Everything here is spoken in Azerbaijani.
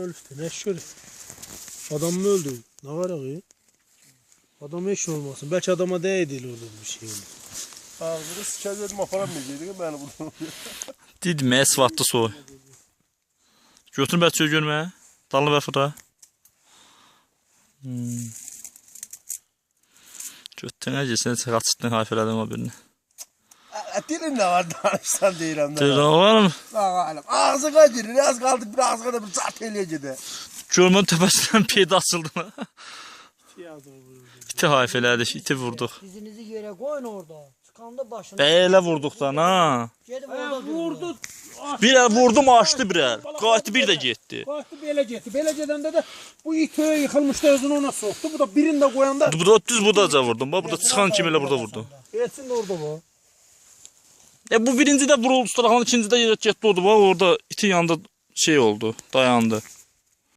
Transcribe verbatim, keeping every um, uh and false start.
ölüftü. Ne şöyle. Adam mı öldü? Ne var ya? Adam eş olmasın. Belki adama değdi orada bir şey. Ağzını sıçacağım aparam mı dedik ben bunu. Dedim esvatdı soy. Götür bə çöy görmə. Dallı bə fıra. Hmm. Götürünə girsən qaçırdın hayfələdim o birini. Dilin ne var danışsan deyirəm. Deyirəm var mı? Ağalım. Ağzına girir. Az kaldık bir ağzına da bir zat eləyəcədi. Görmən təpəsindən peyda açıldı. İti hayfələdik, iti vurduq. Dizinizi yere koyun orada. Çıkanda başını. Belə vurduq da ha. Gedib orada Vurdu. Bir el vurdum açdı bir el. Qayıtdı bir də getdi. Kalktı belə getdi. Belə gedəndə də bu it öyə yıxılmışdı özünü ona soktu. Bu da birini də qoyanda. Bu da düz budaca vurdum. Bax burada çıxan kimi elə burada vurdum. Etsin de orada bu. E bu birinci də vuruldu, sonra ikinci də yerə getdi oldu. Bax orada itin yanında şey oldu, dayandı.